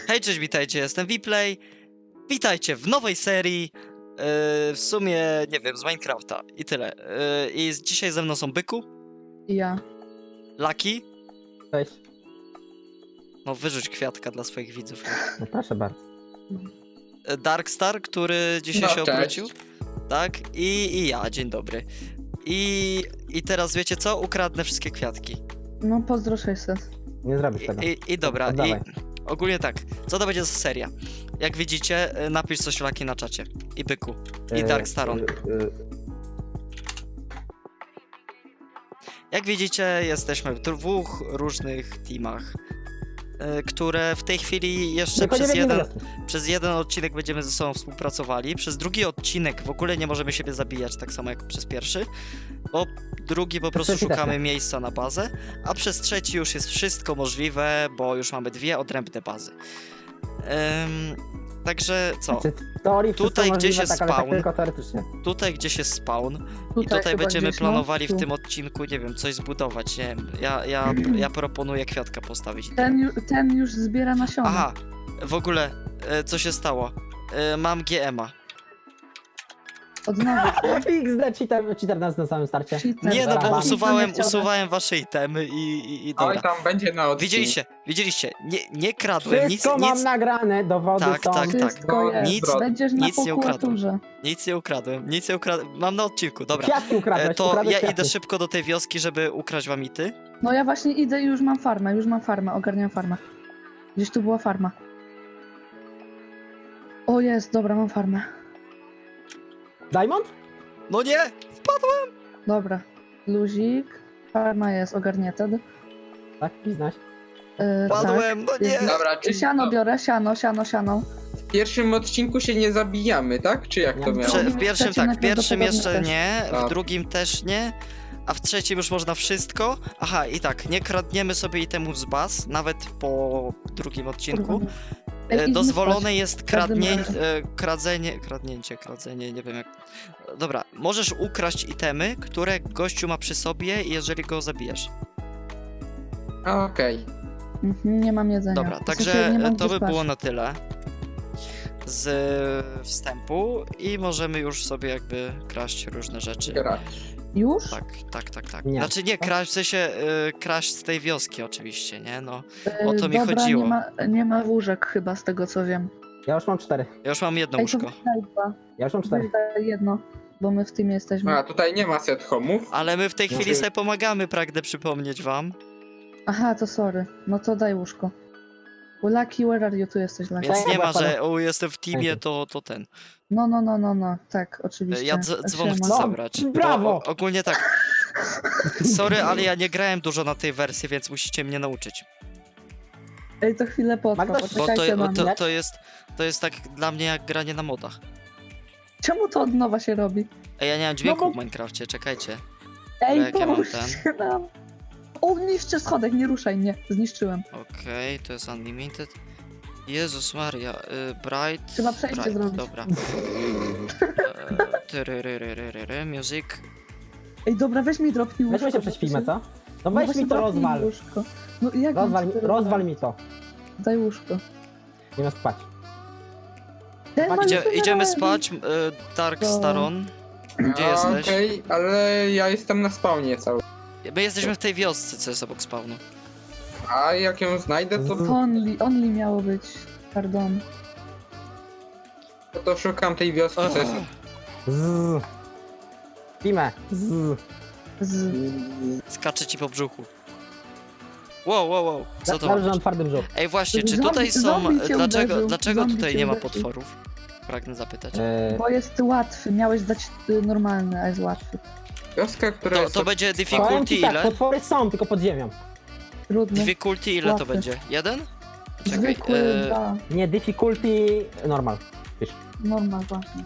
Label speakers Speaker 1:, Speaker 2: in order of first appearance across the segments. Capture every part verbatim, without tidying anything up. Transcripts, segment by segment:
Speaker 1: Hej, cześć, witajcie, jestem Vplay. Witajcie w nowej serii, yy, w sumie, nie wiem, z Minecrafta i tyle. Yy, I z- dzisiaj ze mną są Byku,
Speaker 2: I ja.
Speaker 1: Lucky,
Speaker 3: Cześć.
Speaker 1: no wyrzuć kwiatka dla swoich widzów,
Speaker 3: No proszę bardzo.
Speaker 1: yy, Darkstar, który dzisiaj
Speaker 4: No,
Speaker 1: się
Speaker 4: cześć.
Speaker 1: obrócił, tak, i, i ja, dzień dobry. I, I teraz wiecie co? Ukradnę wszystkie kwiatki.
Speaker 2: No pozdro sześćset.
Speaker 3: Nie zrobisz
Speaker 1: I,
Speaker 3: tego.
Speaker 1: i, i dobra, i
Speaker 3: Oddawaj.
Speaker 1: ogólnie tak, co to będzie za seria? Jak widzicie, yy, napisz coś Lucky na czacie. I Byku, i
Speaker 3: E,
Speaker 1: Darkstaron.
Speaker 3: e, e,
Speaker 1: Jak widzicie, jesteśmy w dwóch różnych teamach, y, które w tej chwili jeszcze
Speaker 3: tylko nie
Speaker 1: przez
Speaker 3: biegniemy
Speaker 1: jeden,
Speaker 3: wioski.
Speaker 1: przez jeden odcinek będziemy ze sobą współpracowali. Przez drugi odcinek w ogóle nie możemy siebie zabijać, tak samo jak przez pierwszy, bo drugi po prostu
Speaker 3: trzeci też
Speaker 1: szukamy
Speaker 3: nie.
Speaker 1: miejsca na bazę, a przez trzeci już jest wszystko możliwe, bo już mamy dwie odrębne bazy. Ym, także co?
Speaker 3: Znaczy, w teorii wszystko
Speaker 1: Tutaj
Speaker 3: możliwe,
Speaker 1: gdzieś jest
Speaker 3: tak, ale tak
Speaker 1: spawn.
Speaker 3: tylko teoretycznie.
Speaker 1: Tutaj gdzieś jest spawn. I
Speaker 2: Tutaj
Speaker 1: tutaj
Speaker 2: chyba
Speaker 1: będziemy
Speaker 2: gdzieś, no,
Speaker 1: planowali w
Speaker 2: tu.
Speaker 1: tym odcinku, nie wiem, coś zbudować, nie wiem. Ja, ja, ja proponuję kwiatka postawić.
Speaker 2: Ten, ju, ten już zbiera nasiona.
Speaker 1: Aha, w ogóle, e, co się stało? E, mam G M a.
Speaker 2: Od nowa.
Speaker 3: X D cheater, cheater nas na samym starcie.
Speaker 2: Cheater.
Speaker 1: Nie no, bo
Speaker 3: Dobra.
Speaker 1: usuwałem,
Speaker 2: Nie chciałem.
Speaker 1: usuwałem wasze itemy i, i, i
Speaker 4: Oj,
Speaker 1: dobra.
Speaker 4: tam będzie na odcinku.
Speaker 1: Widzieliście, widzieliście, nie, nie kradłem, nic,
Speaker 3: Wszystko mam
Speaker 1: nic,
Speaker 3: nagrane, dowody
Speaker 1: Tak,
Speaker 3: są.
Speaker 1: tak, tak.
Speaker 2: Wszystko
Speaker 4: No,
Speaker 2: jest.
Speaker 1: nic-
Speaker 2: Będziesz na
Speaker 1: nic nie ukradłem.
Speaker 2: prokuraturze.
Speaker 1: nic nie ukradłem, nic nie ukradłem. Mam na odcinku, dobra.
Speaker 3: Kwiatki
Speaker 1: E,
Speaker 3: ukradłeś,
Speaker 1: to
Speaker 3: ukradłeś
Speaker 1: ja
Speaker 3: kwiatki.
Speaker 1: idę szybko do tej wioski, żeby ukraść wam ity.
Speaker 2: No ja właśnie idę i już mam farmę, już mam farmę, ogarniam farmę. Gdzieś tu była farma. O jest, dobra, mam farmę.
Speaker 3: Diamond?
Speaker 1: No nie!
Speaker 2: Dobra. Luzik. Farma jest ogarnięta. Yy,
Speaker 3: Tak, znaś.
Speaker 1: Padłem, no nie!
Speaker 4: Dobra, czyli
Speaker 2: Siano
Speaker 4: to
Speaker 2: biorę, siano, siano, siano.
Speaker 4: w pierwszym odcinku się nie zabijamy, tak? Czy jak to
Speaker 3: Nie.
Speaker 4: miało?
Speaker 1: Prze-
Speaker 4: być?
Speaker 1: w pierwszym
Speaker 2: Trzecim
Speaker 1: tak, w pierwszym jeszcze
Speaker 2: najprawdopodobniej
Speaker 1: nie, w
Speaker 4: Tak.
Speaker 1: drugim też nie, a w trzecim już można wszystko. Aha, i tak, nie kradniemy sobie itemu z baz, nawet po drugim odcinku.
Speaker 2: Ej,
Speaker 1: E,
Speaker 2: idźmy
Speaker 1: Dozwolone
Speaker 2: spać.
Speaker 1: jest
Speaker 2: każdym
Speaker 1: kradnie,
Speaker 2: razie.
Speaker 1: e, kradzenie, kradnięcie, kradzenie, nie wiem jak... Dobra, możesz ukraść itemy, które gościu ma przy sobie, jeżeli go zabijesz.
Speaker 4: Okej.
Speaker 2: Mhm, nie mam jedzenia.
Speaker 1: Dobra,
Speaker 2: W
Speaker 1: także
Speaker 2: sensie nie mam
Speaker 1: to
Speaker 2: gdzie
Speaker 1: by
Speaker 2: spać.
Speaker 1: było na tyle z wstępu i możemy już sobie jakby kraść różne rzeczy.
Speaker 4: Grać.
Speaker 2: Już?
Speaker 1: Tak, tak, tak, tak.
Speaker 3: Nie.
Speaker 1: Znaczy nie, kraść, w sensie y, kraść z tej wioski oczywiście, nie? No,
Speaker 2: Yy,
Speaker 1: o to mi
Speaker 2: Dobra,
Speaker 1: chodziło.
Speaker 2: Nie ma, nie ma łóżek chyba z tego co wiem.
Speaker 3: Ja już mam cztery.
Speaker 1: ja już mam jedno
Speaker 2: Ej, to
Speaker 1: łóżko.
Speaker 2: daj dwa.
Speaker 3: Ja już mam cztery.
Speaker 2: Daj jedno, bo my w tym jesteśmy.
Speaker 4: A, tutaj nie ma set homów.
Speaker 1: Ale my w tej chwili
Speaker 4: Może-
Speaker 1: sobie pomagamy, pragnę przypomnieć wam.
Speaker 2: Aha, to sorry. No to daj łóżko. Lucky, where are you? Tu jesteś, Lucky.
Speaker 1: Więc
Speaker 3: Daj,
Speaker 1: nie ma,
Speaker 3: dobra,
Speaker 1: że o, jestem w teamie,
Speaker 3: Dzięki.
Speaker 1: to, to ten.
Speaker 2: No, no, no, no, no. Tak, oczywiście.
Speaker 1: Ja dz- dzwon chcę
Speaker 2: Siema.
Speaker 3: No,
Speaker 1: zabrać.
Speaker 3: brawo!
Speaker 1: Bo, o, ogólnie tak. Sorry, ale ja nie grałem dużo na tej wersji, więc musicie mnie nauczyć.
Speaker 2: Ej, to chwilę potrwa,
Speaker 3: Magda,
Speaker 1: Bo
Speaker 2: poczekajcie
Speaker 1: to,
Speaker 2: na
Speaker 1: bo
Speaker 2: mnie.
Speaker 1: to, to jest to jest tak dla mnie jak granie na modach.
Speaker 2: Czemu to od nowa się robi?
Speaker 1: Ej, ja nie mam dźwięku
Speaker 2: No bo-
Speaker 1: w Minecrafcie, czekajcie.
Speaker 2: Ej,
Speaker 1: jak ja mam
Speaker 2: pomóżcie nam. O, niszczę schodek, nie ruszaj mnie. Zniszczyłem.
Speaker 1: Okej, to jest unlimited. Jezus Maria, y, Bright.
Speaker 2: Trzeba przejście
Speaker 1: Bright,
Speaker 2: zrobić.
Speaker 1: dobra. E, tyryryryryryry, music.
Speaker 2: Ej, dobra, weź mi dropnij łóżko.
Speaker 3: Weźmy się
Speaker 2: bo
Speaker 3: prześpimy,
Speaker 2: się-
Speaker 3: co? No
Speaker 2: No
Speaker 3: weź
Speaker 2: właśnie
Speaker 3: mi to
Speaker 2: dropnij
Speaker 3: rozwal.
Speaker 2: Łóżko. No jak mam
Speaker 3: Rozwal,
Speaker 2: ci
Speaker 3: mi-
Speaker 2: to
Speaker 3: rozwal mi to.
Speaker 2: Daj łóżko.
Speaker 3: Nie ma spać.
Speaker 2: Ten ma
Speaker 1: Idzie,
Speaker 2: niby
Speaker 1: idziemy
Speaker 2: na-
Speaker 1: spać, y, Dark
Speaker 2: To-
Speaker 1: Staron. Gdzie
Speaker 4: A,
Speaker 1: jesteś?
Speaker 4: Okej, ale ja jestem na spawnie cały.
Speaker 1: My jesteśmy w tej wiosce, co jest obok spawnu.
Speaker 4: A jak ją znajdę, to,
Speaker 2: Only, only miało być. Pardon.
Speaker 4: to, to szukam tej wioski, co jest...
Speaker 3: Zzz. Spimy. Zzz.
Speaker 2: Z...
Speaker 1: Skacze ci po brzuchu. Wow, wow, wow. Co to
Speaker 3: Dobrze,
Speaker 1: ma
Speaker 3: że mam
Speaker 1: być?
Speaker 3: twardym brzuch.
Speaker 1: Ej, właśnie, czy
Speaker 2: Zombie-
Speaker 1: tutaj są...
Speaker 2: zombie cię
Speaker 1: Dlaczego,
Speaker 2: uderzył,
Speaker 1: dlaczego
Speaker 2: zombie
Speaker 1: tutaj
Speaker 2: cię
Speaker 1: nie ma
Speaker 2: uderzył.
Speaker 1: potworów? Pragnę zapytać.
Speaker 3: Eee,
Speaker 2: Bo jest łatwy, miałeś dać y, normalny, a jest łatwy.
Speaker 4: Wioska, która
Speaker 1: To,
Speaker 4: jest...
Speaker 1: to będzie
Speaker 3: powiem
Speaker 1: difficulty
Speaker 3: ci tak,
Speaker 1: ile?
Speaker 3: potwory są, tylko pod ziemią.
Speaker 2: Trudny.
Speaker 1: Difficulty ile to
Speaker 2: Łatwy.
Speaker 1: będzie? Jeden? Czekaj,
Speaker 2: Zwykły,
Speaker 1: e,
Speaker 2: dwa.
Speaker 3: Nie, difficulty normal.
Speaker 2: Normal właśnie.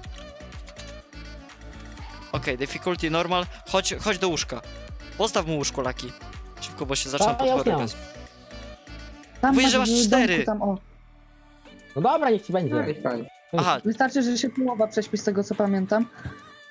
Speaker 1: okej, difficulty normal. Chodź, chodź do łóżka. Postaw mu łóżko, Laki. Szybko, bo się zaczną
Speaker 3: A, ja już
Speaker 1: potwory
Speaker 3: nie
Speaker 1: bez...
Speaker 2: Tam
Speaker 1: Mówisz, że masz
Speaker 2: w domku
Speaker 1: cztery.
Speaker 2: Tam, o.
Speaker 3: No dobra, niech ci będzie.
Speaker 4: Fajnie, fajnie.
Speaker 1: Aha,
Speaker 2: Wystarczy, że się połowa prześpi z tego co pamiętam.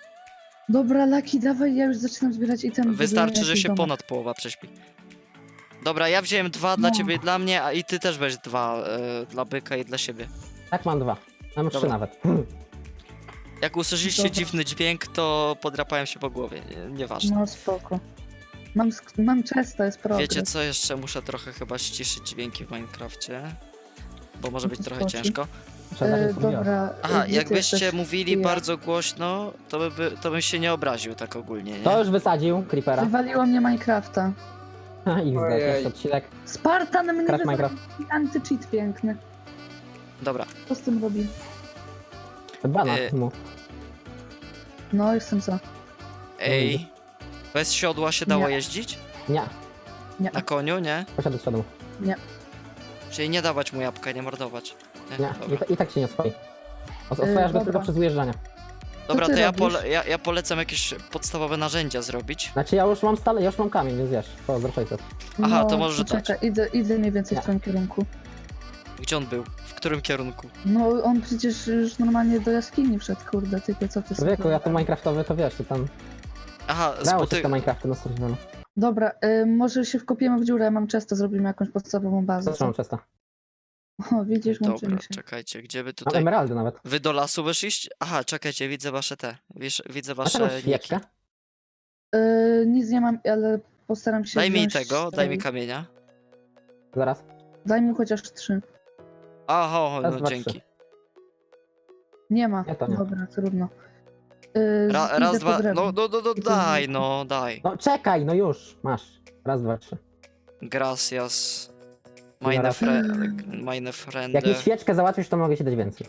Speaker 2: Dobra, Laki, dawaj, ja już zaczynam zbierać itemy.
Speaker 1: wystarczy,
Speaker 2: buduję
Speaker 1: że
Speaker 2: jakiś
Speaker 1: się
Speaker 2: domek.
Speaker 1: ponad połowa prześpi. Dobra, ja wziąłem dwa dla
Speaker 2: No.
Speaker 1: ciebie i dla mnie, a i ty też weź dwa e, dla byka i dla siebie.
Speaker 3: Tak, mam dwa. Mam trzy
Speaker 1: Dobra.
Speaker 3: nawet.
Speaker 1: Jak usłyszeliście
Speaker 2: Dobra.
Speaker 1: dziwny dźwięk, to podrapałem się po głowie, nie- nieważne.
Speaker 2: No spoko. Mam, sk- mam często, jest progres.
Speaker 1: Wiecie co, jeszcze muszę trochę chyba ściszyć dźwięki w Minecrafcie, bo może być trochę
Speaker 2: Spoko.
Speaker 1: ciężko.
Speaker 3: Trzeba
Speaker 2: E,
Speaker 3: dać mówiła.
Speaker 2: dobra.
Speaker 1: Aha,
Speaker 2: gdzie ty
Speaker 1: jakbyście
Speaker 2: jesteś?
Speaker 1: mówili
Speaker 2: Ja.
Speaker 1: bardzo głośno, to, by, by, to bym się nie obraził tak ogólnie, nie?
Speaker 3: To już wysadził Creepera.
Speaker 2: Wywaliło mnie Minecrafta.
Speaker 3: I
Speaker 4: Ojej.
Speaker 3: zdać odcinek.
Speaker 2: Spartan mnie
Speaker 3: Crack
Speaker 2: wywalił.
Speaker 3: Minecraft.
Speaker 2: Anty-cheat piękny.
Speaker 1: Dobra,
Speaker 2: Co z tym robi?
Speaker 3: Bana
Speaker 1: E,
Speaker 3: mu.
Speaker 2: No, jestem za.
Speaker 1: ej, bez siodła się dało
Speaker 2: Nie.
Speaker 1: jeździć?
Speaker 3: Nie,
Speaker 2: Nie.
Speaker 1: Na koniu, nie?
Speaker 3: posiadł z przodu.
Speaker 1: Czyli nie dawać mu jabłka, nie mordować.
Speaker 3: Nie, i,
Speaker 1: Dobra,
Speaker 3: ta- i tak się nie oswoi. Os-
Speaker 2: Yy,
Speaker 3: Oswajasz go
Speaker 2: dobra.
Speaker 3: tylko przez ujeżdżanie.
Speaker 1: dobra
Speaker 2: ty
Speaker 1: to ja,
Speaker 2: robisz?
Speaker 1: pole, ja, ja polecam jakieś podstawowe narzędzia zrobić.
Speaker 3: Znaczy ja już mam stale, ja już mam kamień, więc wiesz, pozdro sześćset.
Speaker 1: Aha,
Speaker 2: no,
Speaker 1: to może dać.
Speaker 2: czekaj, idę, idę mniej więcej
Speaker 3: Nie.
Speaker 2: w twoim kierunku.
Speaker 1: Gdzie on był? W którym kierunku?
Speaker 2: No, on przecież już normalnie do jaskini wszedł, kurde, typie, co ty
Speaker 3: Człowieku,
Speaker 2: sobie-
Speaker 3: ja tu Minecraftowy, to wiesz, to tam
Speaker 1: Aha,
Speaker 3: dało się
Speaker 1: spoty...
Speaker 3: te Minecrafty na survivalu.
Speaker 2: Dobra, y, może się wkopiemy w dziurę, mam często, zrobimy jakąś podstawową bazę.
Speaker 3: Zatrzymam przez to.
Speaker 2: O, widzisz,
Speaker 1: Dobra,
Speaker 2: łączymy się.
Speaker 1: czekajcie, gdzie wy
Speaker 3: Mam
Speaker 1: tutaj...
Speaker 3: emeraldy nawet.
Speaker 1: Wy do lasu wyszliście? Aha, czekajcie, widzę wasze te. Wiesz, widzę
Speaker 3: A
Speaker 1: wasze
Speaker 3: taką
Speaker 1: niki.
Speaker 3: świeczkę?
Speaker 2: Y, nic nie mam, ale postaram się
Speaker 1: Daj mi
Speaker 2: wziąć
Speaker 1: tego,
Speaker 2: z
Speaker 1: daj mi
Speaker 2: tej-
Speaker 1: kamienia.
Speaker 3: Zaraz.
Speaker 2: Daj mu chociaż trzy.
Speaker 1: Aha, o,
Speaker 3: Raz,
Speaker 1: no
Speaker 3: dwa,
Speaker 1: dzięki.
Speaker 3: trzy.
Speaker 2: Nie ma.
Speaker 3: Nie, to nie.
Speaker 2: Dobra, trudno. Y,
Speaker 1: Ra,
Speaker 2: idę
Speaker 1: raz,
Speaker 2: po
Speaker 1: dwa,
Speaker 2: drewno.
Speaker 1: no, no, no, no
Speaker 2: I to
Speaker 1: daj,
Speaker 2: zniszczę.
Speaker 1: no, daj.
Speaker 3: No czekaj, no już, masz. Raz, dwa, trzy.
Speaker 1: Gracias.
Speaker 3: Zaraz.
Speaker 1: Meine, fre
Speaker 2: Mm.
Speaker 1: meine Freunde.
Speaker 3: Jak mi świeczkę załatwisz, to mogę ci dać więcej.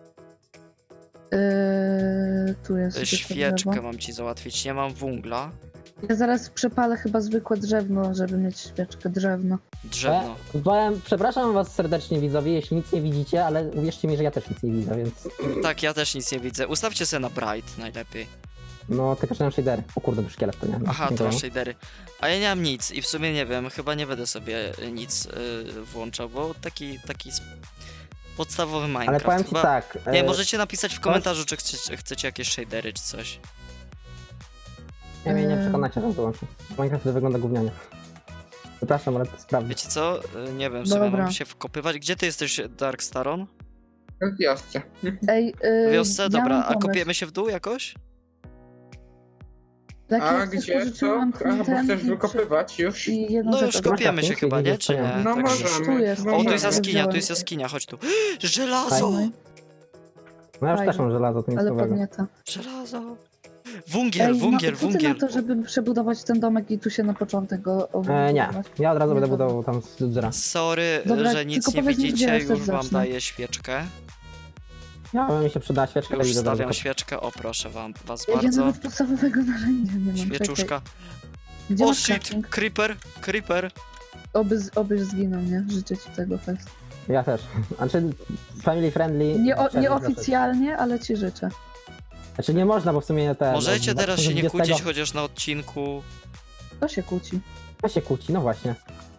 Speaker 2: Y, tu jest.
Speaker 1: Y,
Speaker 2: zwykłe
Speaker 1: Świeczkę
Speaker 2: drzewo.
Speaker 1: mam ci załatwić, nie mam węgla.
Speaker 2: Ja zaraz przepalę chyba zwykłe drzewno, żeby mieć świeczkę, drewno.
Speaker 1: Drzewno.
Speaker 3: E, powiem, przepraszam was serdecznie widzowie, jeśli nic nie widzicie, ale uwierzcie mi, że ja też nic nie widzę, więc...
Speaker 1: Tak, ja też nic nie widzę. Ustawcie sobie na bright najlepiej.
Speaker 3: No, tylko że mam shadery. O kurde, to szkielet to nie.
Speaker 1: Aha,
Speaker 3: nie
Speaker 1: to masz
Speaker 3: wiem.
Speaker 1: shadery. A ja nie mam nic i w sumie nie wiem, chyba nie będę sobie y, nic y, włączał, bo taki, taki sp- podstawowy Minecraft.
Speaker 3: Ale powiem ci
Speaker 1: chyba...
Speaker 3: tak.
Speaker 1: Nie,
Speaker 3: e,
Speaker 1: możecie napisać w komentarzu, czy chcecie, chcecie jakieś shadery, czy coś.
Speaker 3: Nie, mnie nie
Speaker 2: Eee.
Speaker 3: przekonacie, że wyłączę. Minecraft wygląda gównianie. Przepraszam, ale to sprawdzę.
Speaker 1: Wiecie co? Y, Nie wiem, w sumie
Speaker 2: Dobra.
Speaker 1: mam się wkopywać. Gdzie ty jesteś, Dark Staron?
Speaker 4: W wiosce.
Speaker 2: Ej,
Speaker 1: W
Speaker 2: y,
Speaker 1: wiosce?
Speaker 2: ja
Speaker 1: Dobra,
Speaker 2: mam
Speaker 1: a
Speaker 2: pomysł.
Speaker 1: kopiemy się w dół jakoś?
Speaker 2: Taki
Speaker 4: A
Speaker 2: jak coś
Speaker 4: gdzie co?
Speaker 2: pożyczyłam
Speaker 4: A, bo
Speaker 2: ten
Speaker 4: chcesz
Speaker 2: i-
Speaker 4: wykopywać już?
Speaker 2: I jedną
Speaker 1: No
Speaker 2: rzecz
Speaker 1: już
Speaker 2: od-
Speaker 3: kopię.
Speaker 1: kopiemy się
Speaker 3: Minecraft
Speaker 1: chyba,
Speaker 3: nie
Speaker 1: nie? Czy nie?
Speaker 3: widziałem.
Speaker 4: No
Speaker 1: Tak, że-
Speaker 4: możemy.
Speaker 2: Tu jest.
Speaker 1: O, tu
Speaker 2: Możemy.
Speaker 1: jest jaskinia, tu
Speaker 2: Wziąłem.
Speaker 1: jest jaskinia, chodź tu. Żelazo!
Speaker 2: Fajnie,
Speaker 3: No ja już
Speaker 2: Fajnie.
Speaker 3: też mam żelazo, to nic
Speaker 2: ale
Speaker 3: nowego.
Speaker 2: podnieta.
Speaker 1: Żelazo! Wungiel,
Speaker 2: Ej,
Speaker 1: wungiel,
Speaker 2: no, co ty na
Speaker 1: wungiel.
Speaker 2: to, żeby przebudować ten domek i tu się na początek go
Speaker 3: E, nie,
Speaker 2: obudować?
Speaker 3: ja od razu
Speaker 2: Nie,
Speaker 3: będę
Speaker 2: dobra.
Speaker 3: budował tam z drzera.
Speaker 1: Sorry,
Speaker 2: Dobra,
Speaker 1: że nic
Speaker 2: tylko
Speaker 1: nie
Speaker 2: powiedz mi,
Speaker 1: widzicie,
Speaker 2: gdzie
Speaker 1: już
Speaker 2: też
Speaker 1: wam
Speaker 2: zacznę.
Speaker 1: daję świeczkę.
Speaker 3: Ja mi się przyda świeczka,
Speaker 1: Już
Speaker 3: i do
Speaker 1: stawiam
Speaker 3: tego.
Speaker 1: świeczkę, o proszę wam, was
Speaker 2: Ja, ja
Speaker 1: bardzo.
Speaker 2: nawet podstawowego narzędzia nie mam.
Speaker 1: Świeczuszka.
Speaker 2: Czekaj. Gdzie
Speaker 1: O
Speaker 2: masz
Speaker 1: shit,
Speaker 2: crafting?
Speaker 1: creeper, creeper.
Speaker 2: Oby, z- obyś zginął, nie? Życzę ci tego fest.
Speaker 3: Ja też. Znaczy, family friendly.
Speaker 2: Nie, o,
Speaker 3: chciałem
Speaker 2: nieoficjalnie, ale ci życzę.
Speaker 3: zacząć. Znaczy nie można, bo w sumie te...
Speaker 1: Możecie
Speaker 3: no,
Speaker 1: teraz się nie
Speaker 3: dwa tysiące
Speaker 1: kłócić,
Speaker 3: dwudziestego
Speaker 1: chociaż na odcinku.
Speaker 2: To się kłóci.
Speaker 3: To się kłóci, no właśnie.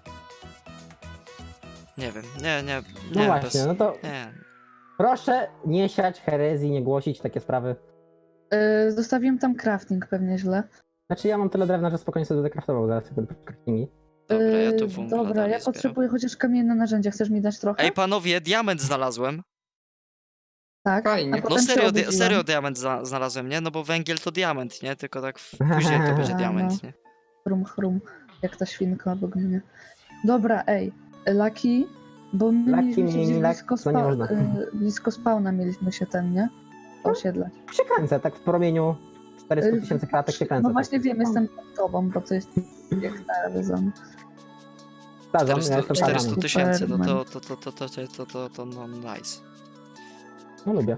Speaker 1: Nie wiem, nie, nie,
Speaker 3: No
Speaker 1: nie,
Speaker 3: właśnie,
Speaker 1: bez...
Speaker 3: no to
Speaker 1: Nie.
Speaker 3: proszę nie siać herezji, nie głosić takie sprawy.
Speaker 2: Yy, zostawiłem tam crafting pewnie źle.
Speaker 3: Znaczy ja mam tyle drewna, że spokojnie sobie będę craftował zaraz sobie craftingi.
Speaker 1: Dobra, ja tu
Speaker 2: Yy,
Speaker 1: węgla
Speaker 2: Dobra,
Speaker 1: dalej
Speaker 2: ja
Speaker 1: zbieram.
Speaker 2: potrzebuję chociaż kamienne narzędzia. Chcesz mi dać trochę?
Speaker 1: Ej, panowie, diament znalazłem.
Speaker 2: tak.
Speaker 4: fajnie.
Speaker 2: A
Speaker 4: No
Speaker 1: No
Speaker 2: potem się
Speaker 1: serio, di
Speaker 2: obudziłam.
Speaker 1: serio diament za znalazłem, nie? No bo węgiel to diament, nie? Tylko tak w... później to będzie
Speaker 2: A,
Speaker 1: diament,
Speaker 2: no.
Speaker 1: nie?
Speaker 2: Chrum, chrum. Jak ta świnka obok mnie. Dobra, ej. Lucky, bo my
Speaker 3: Lucky,
Speaker 2: mieliśmy się
Speaker 3: mini,
Speaker 2: gdzieś
Speaker 3: luck,
Speaker 2: blisko,
Speaker 3: to nie
Speaker 2: spa
Speaker 3: można.
Speaker 2: y, blisko spawna mieliśmy się ten, nie? Osiedlać.
Speaker 3: Się kręcę, tak w promieniu czterysta tysięcy kratek się kręcę.
Speaker 2: No
Speaker 3: tak.
Speaker 2: właśnie wiem, jestem pod tobą, bo to jest jak telewizor.
Speaker 3: Starzam, ja
Speaker 1: czterysta
Speaker 3: jestem
Speaker 1: czterysta
Speaker 3: starzany.
Speaker 1: tysięcy, no to,
Speaker 2: Superman.
Speaker 1: to, to, to, to, to, to, to, to, no nice.
Speaker 3: No lubię.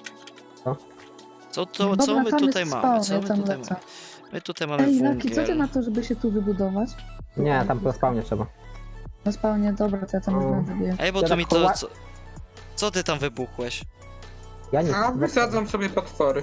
Speaker 1: Co, to,
Speaker 2: Dobra,
Speaker 1: co my
Speaker 2: tam
Speaker 1: tutaj
Speaker 2: jest
Speaker 1: mamy? Co
Speaker 2: spawn,
Speaker 1: my
Speaker 2: ja tam
Speaker 1: tutaj
Speaker 2: lecę.
Speaker 1: mamy? My tutaj mamy
Speaker 2: Ej, Lucky, co ty
Speaker 1: węgiel.
Speaker 2: na to, żeby się tu wybudować?
Speaker 3: Nie, tam po spawnie trzeba.
Speaker 2: Na spawnie, dobra, to ja tam
Speaker 3: O.
Speaker 2: będę wie.
Speaker 1: Ej, bo
Speaker 3: Ja
Speaker 1: tu
Speaker 3: tak
Speaker 1: mi to...
Speaker 3: koła-
Speaker 1: Co, co ty tam wybuchłeś?
Speaker 3: Ja nic.
Speaker 4: A wysadzam sobie potwory.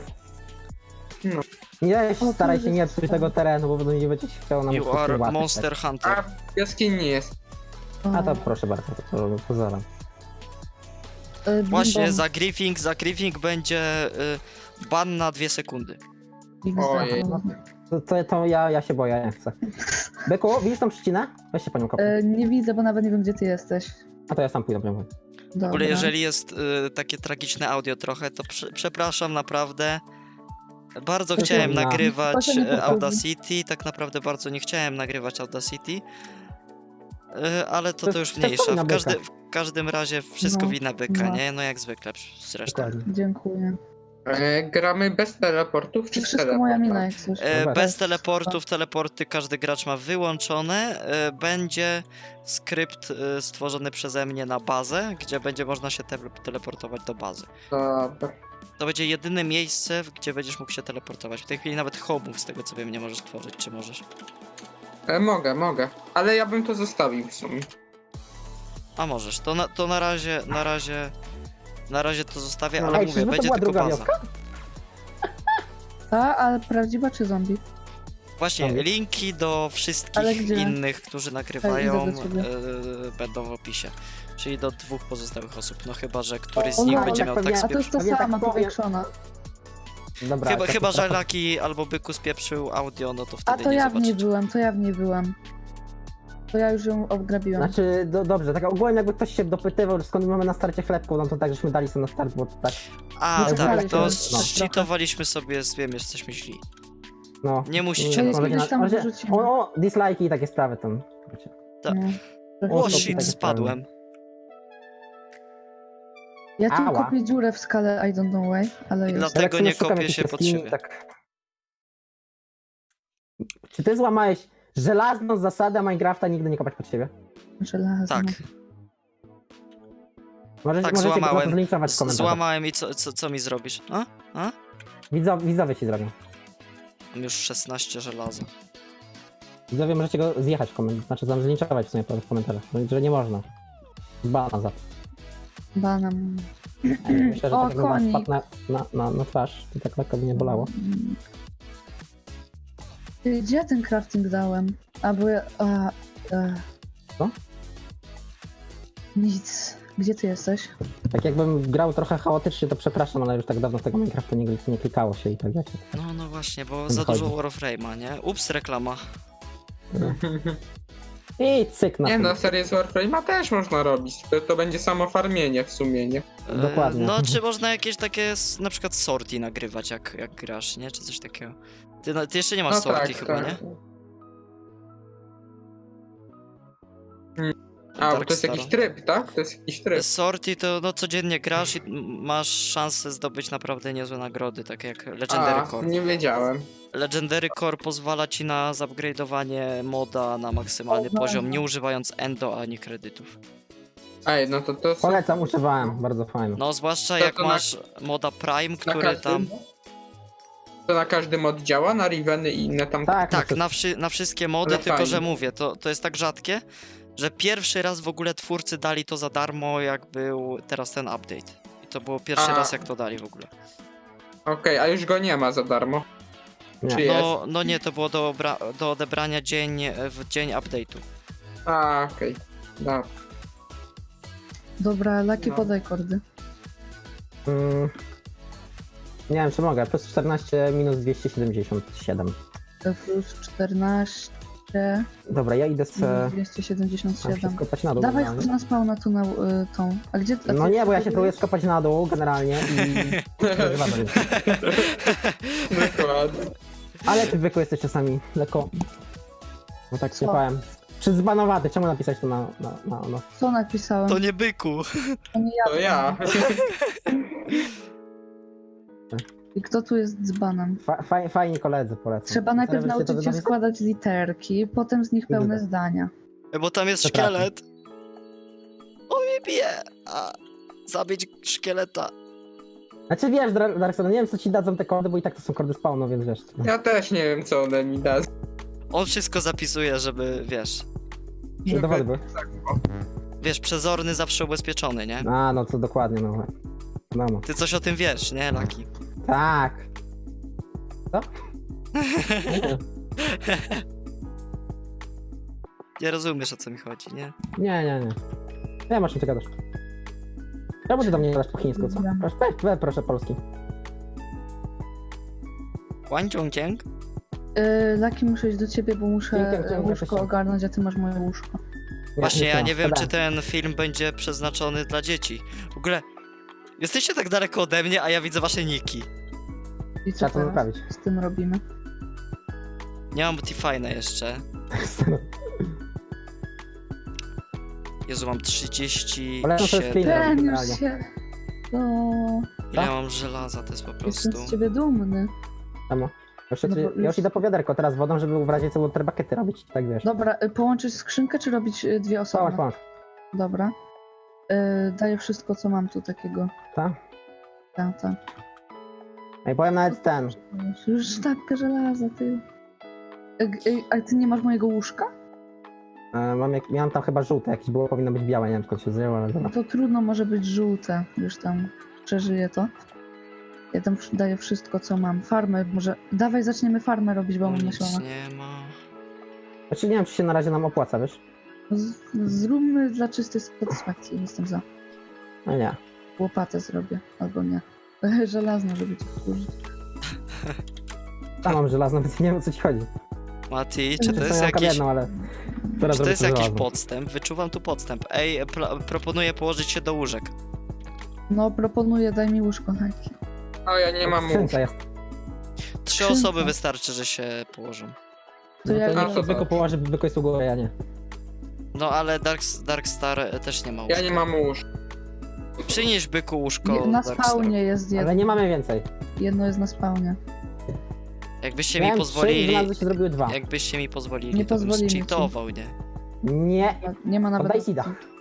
Speaker 3: Nie,
Speaker 2: O,
Speaker 3: staraj
Speaker 2: tu
Speaker 3: się nie
Speaker 2: jest
Speaker 3: psuć
Speaker 2: ten.
Speaker 3: tego terenu, bo będą nie będzie chciało nam
Speaker 1: You
Speaker 3: wszystkim
Speaker 1: are
Speaker 3: łapać,
Speaker 1: monster
Speaker 4: A
Speaker 1: hunter.
Speaker 4: w jaskini jest.
Speaker 3: Tak. A to proszę bardzo, to, to pozoram.
Speaker 2: Y,
Speaker 1: Właśnie,
Speaker 2: Bim
Speaker 1: za griefing, za griefing będzie y, ban na dwie sekundy.
Speaker 2: Bom.
Speaker 4: Ojej.
Speaker 3: To, to, to ja, ja się boję, nie chcę. Byku, widzisz tą trzcinę? Weź się panią kopnij.
Speaker 2: E, nie widzę, bo nawet nie wiem, gdzie ty jesteś.
Speaker 3: A to ja sam pójdę, dobra.
Speaker 1: W ogóle
Speaker 2: Dobra.
Speaker 1: jeżeli jest y, takie tragiczne audio trochę, to prze, przepraszam naprawdę. Bardzo
Speaker 3: To
Speaker 1: chciałem
Speaker 3: trudno.
Speaker 1: nagrywać
Speaker 2: Proszę nie
Speaker 1: e,
Speaker 2: powtórzyć.
Speaker 1: Audacity, tak naprawdę bardzo nie chciałem nagrywać Audacity. Y, ale to,
Speaker 3: To
Speaker 1: to
Speaker 3: jest
Speaker 1: już mniejsza.
Speaker 3: wina
Speaker 1: W,
Speaker 3: byka.
Speaker 1: każdy, w każdym razie wszystko
Speaker 2: No,
Speaker 1: wina byka,
Speaker 2: no.
Speaker 1: nie? No jak zwykle zresztą.
Speaker 3: Dokładnie.
Speaker 2: Dziękuję.
Speaker 4: E, gramy bez teleportów
Speaker 2: To
Speaker 4: czy z
Speaker 2: wszystko moja mina,
Speaker 4: teleportami?
Speaker 2: jak coś.
Speaker 1: E,
Speaker 3: Dobra.
Speaker 1: bez teleportów, teleporty każdy gracz ma wyłączone. E, będzie skrypt e, stworzony przeze mnie na bazę, gdzie będzie można się te teleportować do bazy.
Speaker 4: Dobra.
Speaker 1: To będzie jedyne miejsce, w- gdzie będziesz mógł się teleportować. W tej chwili nawet homów, z tego co wiem, nie możesz tworzyć, czy możesz?
Speaker 4: E, mogę, mogę. Ale ja bym to zostawił w sumie.
Speaker 1: A możesz. To na, to na razie, na razie, na razie to zostawię,
Speaker 4: No,
Speaker 1: ale
Speaker 3: Ej,
Speaker 1: mówię,
Speaker 3: czyżby to
Speaker 1: będzie
Speaker 3: była
Speaker 1: tylko
Speaker 3: druga
Speaker 1: baza.
Speaker 3: wioska?
Speaker 2: Ta, ale prawdziwa czy zombie?
Speaker 1: Właśnie,
Speaker 3: Dobra.
Speaker 1: linki do
Speaker 2: Ale
Speaker 1: wszystkich
Speaker 2: gdzie?
Speaker 1: innych, którzy nagrywają,
Speaker 2: idę do ciebie.
Speaker 1: e, będą w opisie. Czyli do dwóch pozostałych osób. No chyba, że któryś z
Speaker 2: O,
Speaker 1: nich
Speaker 2: no,
Speaker 1: będzie
Speaker 3: tak
Speaker 1: miał
Speaker 3: pewnie-
Speaker 1: tak
Speaker 2: A to jest
Speaker 1: spieprz...
Speaker 2: to
Speaker 3: Pewnie tak
Speaker 2: sama,
Speaker 3: powiem.
Speaker 2: powiększona.
Speaker 3: Dobra.
Speaker 1: Chyba,
Speaker 3: to
Speaker 1: chyba że
Speaker 3: trochę-
Speaker 1: Laki albo Byku spieprzył audio, no to
Speaker 2: A
Speaker 1: wtedy
Speaker 2: to
Speaker 1: nie
Speaker 2: ja w niej
Speaker 1: zobaczycie.
Speaker 2: byłem, to ja w niej byłem. To ja już ją odgrabiłam.
Speaker 3: Znaczy, do, dobrze, tak ogólnie jakby ktoś się dopytywał, skąd mamy na starcie chlebku, no to tak, żeśmy dali sobie na start, bo tak,
Speaker 1: A,
Speaker 2: No
Speaker 1: tak,
Speaker 2: czekaliśmy,
Speaker 1: to
Speaker 2: no.
Speaker 1: zcheatowaliśmy sobie, z wiem, jesteśmy źli.
Speaker 3: no...
Speaker 1: Nie musicie
Speaker 2: To
Speaker 1: nas
Speaker 2: jest
Speaker 3: może
Speaker 2: gdzieś
Speaker 3: na-
Speaker 2: tam
Speaker 3: może-
Speaker 2: wyrzucimy.
Speaker 3: O, o, dislike'i i takie sprawy tam. wiecie.
Speaker 1: tak.
Speaker 2: No.
Speaker 1: O
Speaker 3: to
Speaker 1: shit,
Speaker 3: takie
Speaker 1: spadłem.
Speaker 2: Ja tu
Speaker 3: Ała.
Speaker 2: kopię dziurę w skale I don't know why, ale jest.
Speaker 1: Dlatego
Speaker 3: Jak sobie
Speaker 1: nie
Speaker 3: szukam
Speaker 1: kopię
Speaker 3: jakiejś
Speaker 1: się pod
Speaker 3: jaskini,
Speaker 1: siebie.
Speaker 3: Tak... Czy ty złamałeś żelazną zasadę Minecrafta nigdy nie kopać pod siebie?
Speaker 2: Żelazno.
Speaker 1: Tak,
Speaker 3: Możecie,
Speaker 1: tak,
Speaker 3: możecie go na to
Speaker 1: złamałem.
Speaker 3: zlinczować w
Speaker 1: Z-
Speaker 3: komentarzach.
Speaker 1: Złamałem i co, co, co mi zrobisz? A? A?
Speaker 3: Widzowie, widzowie ci zrobią.
Speaker 1: Mam już szesnaście żelaza.
Speaker 3: Widzowie możecie go zjechać w komentarzach, znaczy tam zlinczować w sumie w komentarzach, no, że nie można. Bana za to.
Speaker 2: Banan.
Speaker 3: Myślę, że
Speaker 2: O,
Speaker 3: tak jakby wam
Speaker 2: koni.
Speaker 3: wpadł na, na, na, na twarz, to tak lekko by nie bolało.
Speaker 2: Ty, gdzie ja ten crafting dałem? A bo ja... A, e.
Speaker 3: Co?
Speaker 2: Nic. Gdzie ty jesteś?
Speaker 3: Tak jakbym grał trochę chaotycznie, to przepraszam, ale już tak dawno w tego Minecrafta nie, nie klikało się i tak wiecie.
Speaker 1: No, no właśnie, bo
Speaker 3: Nie
Speaker 1: za
Speaker 3: wychodzi.
Speaker 1: dużo Warframe'a, nie? Ups, reklama.
Speaker 3: I cyk na
Speaker 4: Nie
Speaker 3: tym.
Speaker 4: no, serię z Warframe'a też można robić. To, to będzie samo farmienie w sumie, nie?
Speaker 1: E,
Speaker 3: Dokładnie.
Speaker 1: No, czy można jakieś takie, s- na przykład sorti nagrywać, jak, jak grasz, nie? Czy coś takiego. Ty, no, ty jeszcze nie masz
Speaker 4: No
Speaker 1: sorti
Speaker 4: tak,
Speaker 1: chyba,
Speaker 4: tak.
Speaker 1: nie?
Speaker 4: A, bo
Speaker 1: Dark
Speaker 4: to jest jakiś
Speaker 1: Star.
Speaker 4: tryb, tak? To jest jakiś tryb.
Speaker 1: Sorti to no codziennie grasz i m- masz szansę zdobyć naprawdę niezłe nagrody, takie jak Legendary
Speaker 4: A,
Speaker 1: Core.
Speaker 4: nie wiedziałem.
Speaker 1: Legendary Core pozwala ci na zupgrade'owanie moda na maksymalny
Speaker 2: O,
Speaker 1: poziom,
Speaker 2: no.
Speaker 1: nie używając endo ani kredytów.
Speaker 4: Ej, no to to są
Speaker 3: Polecam, używałem, bardzo fajne.
Speaker 1: No zwłaszcza
Speaker 4: To
Speaker 1: jak
Speaker 4: to na-
Speaker 1: masz moda Prime,
Speaker 4: na
Speaker 1: który
Speaker 4: każdym...
Speaker 1: tam...
Speaker 4: To na każdym oddziała, na Riveny i inne tam...
Speaker 3: Tak,
Speaker 1: Tak,
Speaker 3: no,
Speaker 1: na, wszy na wszystkie mody,
Speaker 4: Ale
Speaker 1: tylko że
Speaker 4: fajnie.
Speaker 1: mówię, to, to jest tak rzadkie, że pierwszy raz w ogóle twórcy dali to za darmo, jak był teraz ten update. I to było pierwszy
Speaker 4: A.
Speaker 1: raz, jak to dali w ogóle.
Speaker 4: Okej, a już go nie ma za darmo.
Speaker 3: Nie.
Speaker 4: Czy jest?
Speaker 1: No, no nie, to było do, obra- do odebrania dzień w dzień update'u.
Speaker 4: A, okej. Dobra.
Speaker 2: Dobra, Laki,
Speaker 4: No.
Speaker 2: podaj kordy.
Speaker 3: Mm, nie wiem, czy mogę. Plus czternaście minus dwieście siedemdziesiąt siedem.
Speaker 2: To plus czternaście
Speaker 3: Dobra, ja idę z...
Speaker 2: minus dwieście siedemdziesiąt
Speaker 3: Mam się
Speaker 2: siedem.
Speaker 3: skopać na dół
Speaker 2: Dawaj
Speaker 3: generalnie.
Speaker 2: chodź na spawna tu na y, tą. A gdzie a
Speaker 3: No
Speaker 2: ty
Speaker 3: nie, bo ja się
Speaker 2: próbujesz?
Speaker 3: próbuję skopać na dół generalnie i... Przegrywamy rynku.
Speaker 4: Dokładnie.
Speaker 3: Ale ty zwykły jesteś czasami lekko... No tak
Speaker 2: Co?
Speaker 3: słuchałem. Przyzbanowaty, czemu napisać to na... na, na, na...
Speaker 2: Co napisałem?
Speaker 1: To nie byku.
Speaker 2: To nie ja.
Speaker 4: To ja.
Speaker 2: I kto tu jest dzbanem?
Speaker 3: Fa, faj, fajni koledzy polecam.
Speaker 2: Trzeba najpierw
Speaker 3: Żebyście to
Speaker 2: nauczyć się
Speaker 3: napisali?
Speaker 2: składać literki, potem z nich pełne
Speaker 3: Widzę.
Speaker 2: zdania.
Speaker 1: Bo tam jest
Speaker 3: Przepraszam.
Speaker 1: szkielet. On mnie bije. A zabić szkieleta.
Speaker 3: Znaczy wiesz, Dar- Darkson, nie wiem co ci dadzą te kordy, bo i tak to są kordy spawnu, więc wiesz. No.
Speaker 4: Ja też nie wiem, co one mi da.
Speaker 1: On wszystko zapisuje, żeby, wiesz,
Speaker 3: Żeby dowody były.
Speaker 1: wiesz, przezorny zawsze ubezpieczony, nie?
Speaker 3: A, no to dokładnie, no. No,
Speaker 1: Ty coś o tym wiesz, nie, Laki?
Speaker 3: tak. Co?
Speaker 1: Nie rozumiesz, o co mi chodzi, nie?
Speaker 3: Nie, nie, nie. Nie masz czym ty gadasz. Czemu ty do mnie gadasz po chińsku, co?
Speaker 2: Wiem.
Speaker 3: Proszę, weź, weź proszę polski.
Speaker 1: Wan Chongqiang?
Speaker 2: Yy, Laki, muszę iść do ciebie, bo muszę
Speaker 3: Dzięki,
Speaker 2: yy,
Speaker 3: dzięki,
Speaker 2: łóżko
Speaker 3: dzięki.
Speaker 2: ogarnąć, a ty masz moje łóżko.
Speaker 1: Właśnie, ja
Speaker 3: ma,
Speaker 1: nie wiem, czy
Speaker 3: spadałem.
Speaker 1: ten film będzie przeznaczony dla dzieci. W ogóle, jesteście tak daleko ode mnie, a ja widzę wasze niki.
Speaker 2: I co
Speaker 3: Trzeba to
Speaker 2: teraz
Speaker 3: naprawić.
Speaker 2: z tym robimy?
Speaker 1: Nie mam T-Fine jeszcze. Jezu, mam trzydzieści
Speaker 3: Polecam sobie
Speaker 1: siedem.
Speaker 3: screena.
Speaker 2: Ten już
Speaker 3: generalnie.
Speaker 2: się... No,
Speaker 1: Ile mam żelaza, to jest po
Speaker 2: jestem
Speaker 1: prostu...
Speaker 2: z ciebie dumny.
Speaker 3: Temu. Już,
Speaker 2: No bo
Speaker 3: ja
Speaker 2: już-
Speaker 3: już idę po wiaderko teraz wodą, żeby w razie co waterbuckety robić, tak wiesz.
Speaker 2: Dobra, y, połączyć skrzynkę, czy robić y, dwie osoby?
Speaker 3: Połącz, połącz.
Speaker 2: Dobra. Y, daję wszystko, co mam tu takiego.
Speaker 3: Tak?
Speaker 2: Tak, tak.
Speaker 3: Ej, powiem nawet ten.
Speaker 2: Już sztabkę żelaza, ty. Y, y, a ty nie masz mojego łóżka?
Speaker 3: E, mam jak, miałem tam chyba żółte, jakieś było, powinno być białe, nie wiem skąd się zjęło, ale
Speaker 2: No
Speaker 3: dobra.
Speaker 2: to trudno, może być żółte. Już tam przeżyję to. Ja tam wsz- daję wszystko, co mam. Farmę, może... Dawaj, zaczniemy farmę robić, bo mam
Speaker 1: Nic
Speaker 2: myślone.
Speaker 1: nie ma.
Speaker 3: Znaczy nie wiem, czy się na razie nam opłaca, wiesz?
Speaker 2: Z- Zróbmy dla czystej satysfakcji, jestem za.
Speaker 3: No nie.
Speaker 2: Łopatę zrobię, albo nie. Żelazno, żeby ci służyć.
Speaker 3: Tam mam żelazną, więc nie wiem o co ci chodzi.
Speaker 1: Mati, czy to
Speaker 3: Zresztą
Speaker 1: jest
Speaker 3: ja mam
Speaker 1: jakiś...
Speaker 3: jedną, ale... Teraz
Speaker 1: Czy to
Speaker 3: zrobię
Speaker 1: jest
Speaker 3: to
Speaker 1: jakiś
Speaker 3: żelazną.
Speaker 1: podstęp? Wyczuwam tu podstęp. Ej, pl- proponuję położyć się do łóżek.
Speaker 2: No, proponuję, daj mi łóżko, Nike.
Speaker 4: No ja nie mam łóżka.
Speaker 3: Skrzynce jest.
Speaker 1: Trzy
Speaker 2: Skrzynka.
Speaker 1: osoby wystarczy, że się położą.
Speaker 2: To
Speaker 3: No
Speaker 2: ja-
Speaker 3: to
Speaker 2: ja-
Speaker 3: niech się byku położy, byku jest u góry, ja nie.
Speaker 1: No ale Dark, Dark Star też nie ma łóżka.
Speaker 4: Ja nie mam łóżka.
Speaker 1: Przynieś byku łóżko
Speaker 2: Je- Na
Speaker 1: Dark
Speaker 2: spawnie jest jedno.
Speaker 3: Ale nie mamy więcej.
Speaker 2: Jedno jest na spawnie.
Speaker 1: Star. Jakbyście
Speaker 3: Miałem
Speaker 1: mi
Speaker 3: trzy i
Speaker 1: pozwolili...
Speaker 3: znalazły się zrobiły dwa.
Speaker 1: Jakbyście mi pozwolili,
Speaker 2: Nie
Speaker 1: to bym
Speaker 2: pozwolimy ci.
Speaker 1: zcheatował, nie?
Speaker 3: Nie.
Speaker 2: Nie ma nawet...
Speaker 3: Oddaj Sida.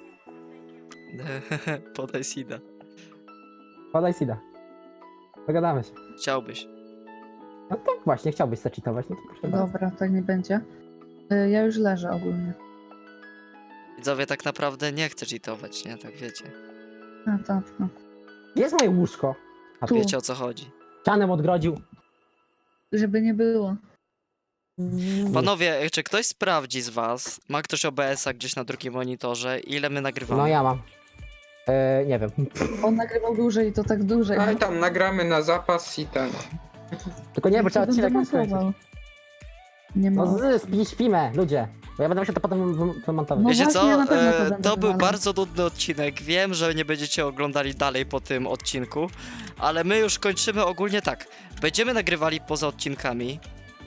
Speaker 1: Podaj Sida.
Speaker 3: Podaj Sida. Dogadamy się.
Speaker 1: Chciałbyś.
Speaker 3: No tak właśnie, chciałbyś zaczytować, no to proszę bardzo.
Speaker 2: Dobra, tak nie będzie. Y, Ja już leżę ogólnie.
Speaker 1: Widzowie, tak naprawdę nie chcę cheatować, nie? Tak wiecie.
Speaker 2: A, tak, no.
Speaker 3: Gdzie jest moje łóżko? A
Speaker 2: Tu.
Speaker 1: Wiecie o co chodzi.
Speaker 3: ścianem odgrodził.
Speaker 2: Żeby nie było.
Speaker 1: Panowie, czy ktoś sprawdzi z was, ma ktoś O B S-a gdzieś na drugim monitorze, ile my nagrywamy?
Speaker 3: No ja mam. E, nie wiem.
Speaker 2: On nagrywał dłużej i to tak dłużej.
Speaker 4: Ale tam nagramy na zapas i ten.
Speaker 3: Tylko nie, bo trzeba
Speaker 2: To
Speaker 3: odcinek
Speaker 2: będę
Speaker 3: skończyć.
Speaker 2: montował. Nie ma.
Speaker 3: No z, spi, śpimy, ludzie. Bo ja będę musiał to potem wy- wymontować.
Speaker 2: No
Speaker 1: Wiecie
Speaker 2: właśnie,
Speaker 1: co?
Speaker 2: ja na pewno to
Speaker 1: E,
Speaker 2: będę
Speaker 1: to był
Speaker 2: wywalał.
Speaker 1: bardzo nudny odcinek. Wiem, że nie będziecie oglądali dalej po tym odcinku, ale my już kończymy ogólnie tak. Będziemy nagrywali poza odcinkami.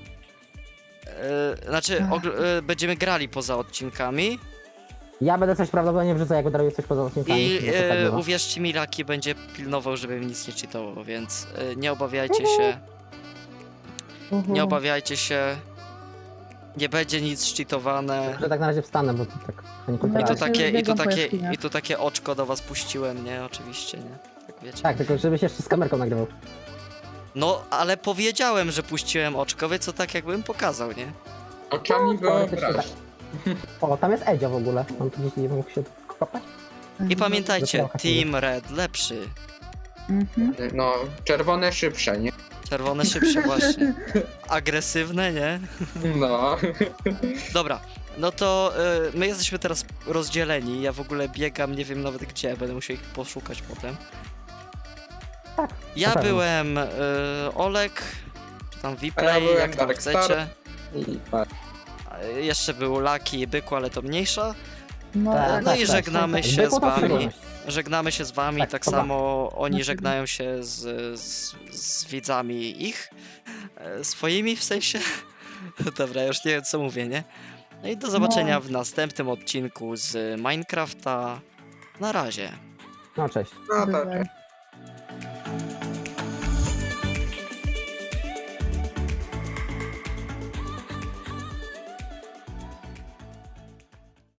Speaker 1: E, znaczy,
Speaker 2: Ach.
Speaker 1: ogl- e, będziemy grali poza odcinkami
Speaker 3: Ja będę coś prawdopodobnie wrzucał, jak udaruję coś poza odcinkami.
Speaker 1: i
Speaker 3: bo to tak
Speaker 1: e,
Speaker 3: bywa.
Speaker 1: uwierzcie mi, Laki będzie pilnował, żebym nic nie czytał, więc e, nie obawiajcie się.
Speaker 2: Uhu.
Speaker 1: Nie obawiajcie się. Nie będzie nic szczytowane.
Speaker 3: Że tak na razie wstanę, bo to tak... to nie
Speaker 2: No
Speaker 1: I
Speaker 3: kulturalne.
Speaker 1: tu
Speaker 2: właśnie,
Speaker 1: takie, i tu
Speaker 2: biegam po
Speaker 1: takie,
Speaker 2: jaskiniach.
Speaker 1: i tu takie oczko do was puściłem, nie? Oczywiście, nie? Tak wiecie.
Speaker 3: Tak, tylko żebyś jeszcze z kamerką nagrywał.
Speaker 1: No, ale powiedziałem, że puściłem oczko, więc to tak jakbym pokazał, nie?
Speaker 4: Oczami
Speaker 3: Teoretycznie
Speaker 4: wyobraź.
Speaker 3: tak. O, tam jest Edzio w ogóle. On tu gdzieś nie mógł się kopać.
Speaker 1: I pamiętajcie,
Speaker 3: Dopiero
Speaker 1: Team Red lepszy.
Speaker 2: Mhm.
Speaker 4: No, czerwone szybsze, nie?
Speaker 1: Czerwone szybsze właśnie. Agresywne, nie?
Speaker 4: No.
Speaker 1: Dobra, no to y, my jesteśmy teraz rozdzieleni. Ja w ogóle biegam, nie wiem nawet gdzie, będę musiał ich poszukać potem.
Speaker 3: Tak,
Speaker 1: Ja
Speaker 3: na pewno.
Speaker 1: byłem y, Olek, czy tam
Speaker 4: A ja
Speaker 1: Vplay,
Speaker 4: byłem
Speaker 1: jak tam
Speaker 4: Dark
Speaker 1: chcecie.
Speaker 4: Star. I tak.
Speaker 1: A, y, Jeszcze był Lucky i Byku, ale to mniejsza.
Speaker 2: No,
Speaker 3: Tak,
Speaker 2: tak,
Speaker 1: no i
Speaker 3: tak,
Speaker 1: żegnamy
Speaker 3: tak.
Speaker 1: się
Speaker 3: Byku
Speaker 1: z
Speaker 3: to
Speaker 1: wami.
Speaker 3: przyjemność.
Speaker 1: Żegnamy się z wami, tak,
Speaker 3: Tak, pa, pa.
Speaker 1: samo oni
Speaker 2: Mhm.
Speaker 1: żegnają się z, z, z widzami ich, e, swoimi w sensie. Dobra, już nie wiem co mówię, nie? No i do zobaczenia
Speaker 2: No.
Speaker 1: w następnym odcinku z Minecrafta. Na razie.
Speaker 3: No cześć.
Speaker 4: No to
Speaker 2: Bywaj.